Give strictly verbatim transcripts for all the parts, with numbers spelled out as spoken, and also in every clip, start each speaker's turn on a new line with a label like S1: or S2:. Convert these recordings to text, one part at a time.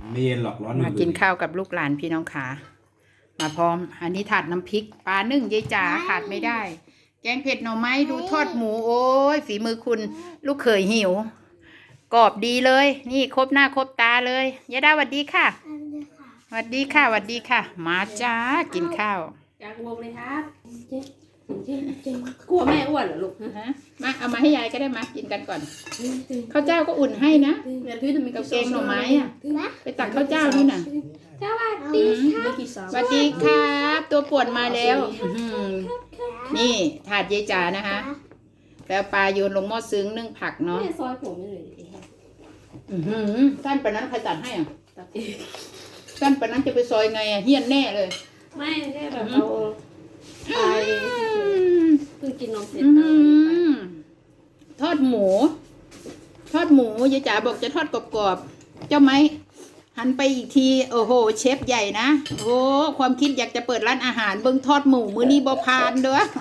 S1: ไม่เย็นหรอกร้อน
S2: มากินข้าวกับลูกหลานพี่น้องขามาพร้อม อันนี้ถาดน้ำพริกปลานึ่งยายจ๋าขาดไม่ได้ แกงเผ็ดหน่อไม้ดูทอดหมูโอ้ยฝีมือคุณลูกเขยหิวกรอบดีเลย นี่ครบหน้าครบตาเลยยายดาสวัสดีค่ะสวัสดีค่ะสวัสดีค่ะ มาจ้ากินข้าว
S3: จากวงเลยครับเจ๊เจ๊เจ๊กลัวแม่อ้วนเหรอลูกฮะ
S2: ฮะมาเอามาให้ยายก็ได้มากินกันก่อนข้าวเจ้าก็อุ่นให้นะ
S3: เดี๋ยวพี่จะมี
S2: กับแกงหน่อไม้อ่ะไปตักข้าวเจ้านู่นน่ะ
S3: สวัสดีครับ
S2: สวัสดีครับตัวป่วนมาแล้วอื้อหือนี่ถาดยายจ๋านะคะแล้วปลาโยนลงหม้อซึ้งนึ่งผักเนาะ
S3: แม่ซอยผมไม่เลย
S2: อื้อหือสั้นปานนั้นใครตัดให้อ่ะ
S3: ตัดเอง
S2: สั้นปานนั้นจะไปซอยไงอ่ะเฮี้ยนแน่เลย
S3: ไม่แค่แบบเอาไปเพิ่งกินนมเสร็จ
S2: อื้อ
S3: เอา
S2: หื
S3: อันนี้ไป
S2: อทอดหมู ทอดหมูยายจ๋าบอกจะทอดกรอบๆเจ้าไหมหันไปอีกทีโอ้โหเชฟใหญ่นะโอ้ความคิดอยากจะเปิดร้านอาหารเบิ้งทอดหมูมื้อนี้บ่ผ่านเด้อ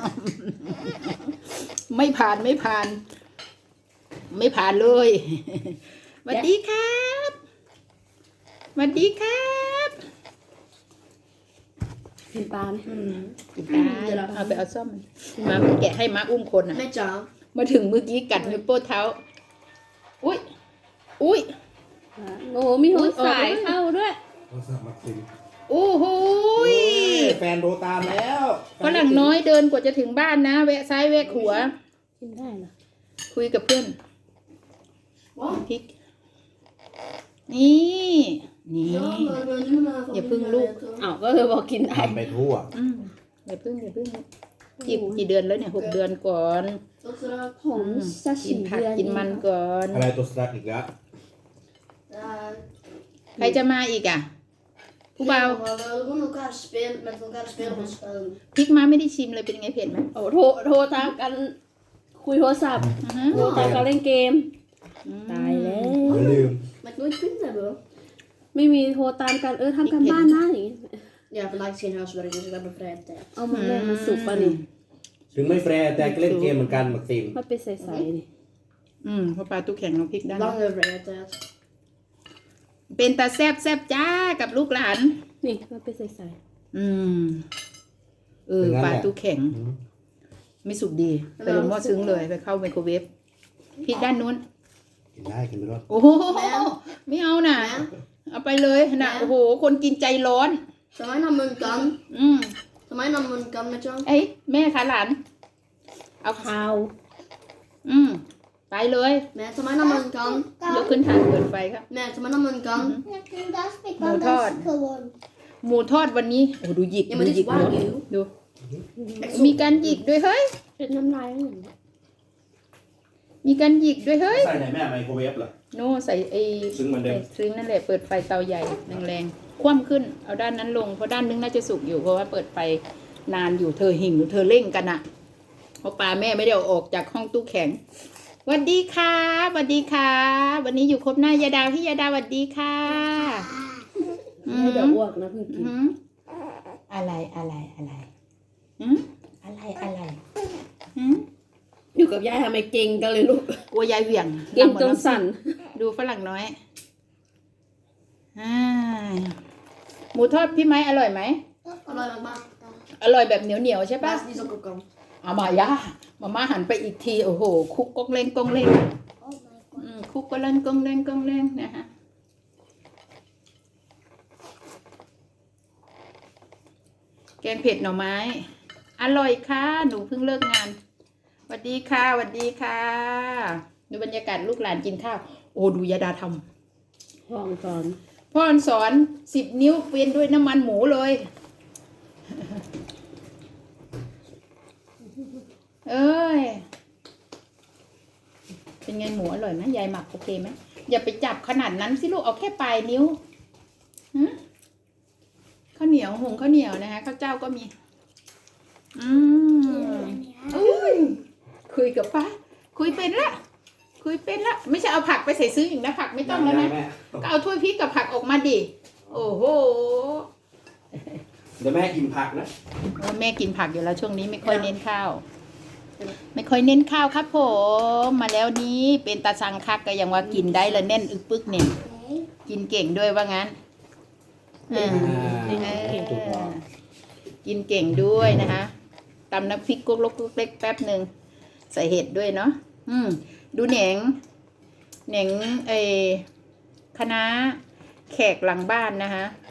S2: ไม่ผ่านไม่ผ่าน ไม่ผ่านเลยสวัสดีครับสวัสดีครับ
S3: กินปลาไหม
S2: กินได้เอาไปเอาซ่อมมาแกะให้มาอุ้มคนอ่ะ
S3: แม่จ๋า
S2: มาถึงเมื่อกี้กัดนิ้วโป้เท้าอุ้ยอุ้ย
S3: โอ้มีหัวสายเข้าด้วย
S1: โทรศัพท์มาคุย
S2: โอ้โหย
S1: แฟนโทรตามแล้ว
S2: ฝรั่งน้อยเดินกว่าจะถึงบ้านนะแวะซ้ายแวะขวา
S3: กินได้เหรอ
S2: คุยกับเพื่อนพริก นี่ นี่ อย่าพึ่งลูก
S3: อ้าวก็เลยบอกกินได้
S1: ทำไปทั่ว
S2: อืมอย่าพึ่งอย่าพึ่งกี่กี่เดือนแล้วเนี่ยหกเดือนก่อน
S3: ผมสัก
S2: กิ
S3: สี่
S2: นผัก
S3: เดือน
S2: กินมันก่อน
S1: อะไรตัวสตาร์ทอีกแล้ว
S2: ใครจะมาอีกอ่ะผู้เบา
S4: Gewoon elkaar spelen, met elkaar spelen of spelen.
S2: พริกมาไม่ได้ชิมเลยเป็นไงเผ็ดไหม
S3: โอ้โทรโทรตามกันคุยโทรศัพท์
S2: อือฮะ
S3: โทรตามกันเล่นเกม
S2: อืม
S3: ตายแล้ว
S1: อย่าลืม
S4: Maar ik nooit vrienden hebben.
S3: ไม่มีโทรตามกันเออทำกันบ้านนะอย่างงี้
S4: Ja, vandaag is geen huiswerk, dus ik heb een vrije tijd.
S3: เอามาแม่มาสุกป่ะนี่
S1: ถึงไม่แฟร์แต่ก็เล่นเกมเหมือนกันมักซิม
S3: มันเป็นใสๆนี่
S2: อืมเพราะปลาตู้แข็งเราพริกได้นะ
S4: Lange vrije tijd.
S2: เป็นตาแซบแซบจ้ากับลูกหลาน
S3: นี่มันเป็นใส
S2: อืม เออปลาตู้แข็ง ไม่สุกดี ไปลงหม้อซึ้งเลยไปเข้าไมโครเวฟพริกด้านนู้น
S1: กินได้กินไปรอด
S2: โอ้โหไม่เอาน่ะ เอาไปเลยนะโอ้โห คนกินใจร้อน
S4: Zal mij naar mijn kan?
S2: อืม
S4: Zal mij naar mijn kan met jou?
S2: เอ้ยแม่คะหลาน เอา
S3: ๆข้าว
S2: อืม ไปเลย
S4: Nee, zal mij naar mijn kan?
S2: ยกขึ้นทางเปิดไฟครับ
S4: Nee, zal mij naar mijn kan?
S2: Motor. หมูทอดวันนี้โอ้ดูหยิก
S4: Ja,
S2: ดู
S4: maar
S2: ห
S4: dit
S2: ยิ
S4: is
S2: กเนาะ
S4: wagyu.
S2: ดู มีการหยิกด้วยเฮ้ย
S3: เป็นน้ำลายแล้วเนี่ย
S2: มีการหยิกด้วยเฮ้ย
S1: ใส่ไหนแม่ไมโครเวฟเหรอ
S2: โน่ใส่ไอ้
S1: ซึ้งเหมือนเดิม
S2: ใส่ซึ้งนั่นแหละเปิดไฟเตาใหญ่แรงๆคว่ำขึ้นเอาด้านนั้นลงเพราะด้านนึงน่าจะสุกอยู่เพราะว่าเปิดไฟนานอยู่เธอหิ่งเธอเร่งกันอะเพราะปลาแม่ไม่ได้เอาออกจากห้องตู้แข็งสวัสดีค่ะสวัสดีค่ะ วันนี้อยู่ครบหน้ายาดาพี่ยาดาสวัสดีค่ะอื
S3: ไม่
S2: ม
S3: เดี๋ยวอ้วกนะเพิ่งกิน
S2: อืมอะไรอะไรอะไรอืมอะไรอะไรอืม
S3: อยู่กับยายทำไมเก่งกันเลยลูก
S2: กลัวยายเหวี่ยง
S3: เก่งจน
S2: ลำหมด
S3: สั่น
S2: ดูฝรั่งน้อยอ่าหมูทอดพี่ไม้อร่อยไหม
S4: Allee, mama.
S2: อร่อยแบบเหนียวเหนียวๆใช่ปะ
S4: Baas, die is ook op kan.
S2: เอามายามาม่าหันไปอีกทีโอ้โหคุกกงเล้งกงเล้งอืมคุกก็เล่นกงเล้งกงเล้งนะฮะแกงเผ็ดหน่อไม้ อร่อยค่ะหนูเพิ่งเลิกงานสวัสดีค่ะสวัสดีค่ะดูบรรยากาศลูกหลานกินข้าวโอ้ดูยาดาทำ
S3: พ่อสอน
S2: พ่อสอนสิบนิ้วเวียนด้วยน้ำมันหมูเลย เอ้ย เป็นไงหมูอร่อยไหมยายหมักโอเคไหมอย่าไปจับขนาดนั้นสิลูกเอาแค่ปลายนิ้วฮะข้าวเหนียวหุงข้าวเหนียวนะคะข้าวเจ้าก็มี อืมอุ้ยคุยกับป้าคุยเป็นละคุยเป็นละไม่ใช่เอาผักไปใส่ซื้ออีกนะผักไม่ต้องแล้วนะ
S1: แม่
S2: ก็เอาถ้วยพริกกับผักออกมาดิ โอ้โห
S1: เดี๋ยวแม่กินผักนะ
S2: แม่กินผักอยู่แล้วช่วงนี้ไม่ค่อยเน้นข้าว ไม่ค่อยเน้นข้าวครับผม มาแล้วนี้เป็นตาสังคักก็ยังว่ากินได้ละแน่นอึกปึกเนี่ยกินเก่งด้วยว่างั้นเออ
S1: อ่า
S2: เอ
S1: ถูกต้อง
S2: อกินเก่งด้วยนะคะตำน้ำพริกกุ๊กลกกุ๊กเล็กแป๊บหนึ่งใส่เห็ดด้วยเนาะอืมดูแหนงแหนงไอคณะแขกหลังบ้านนะคะ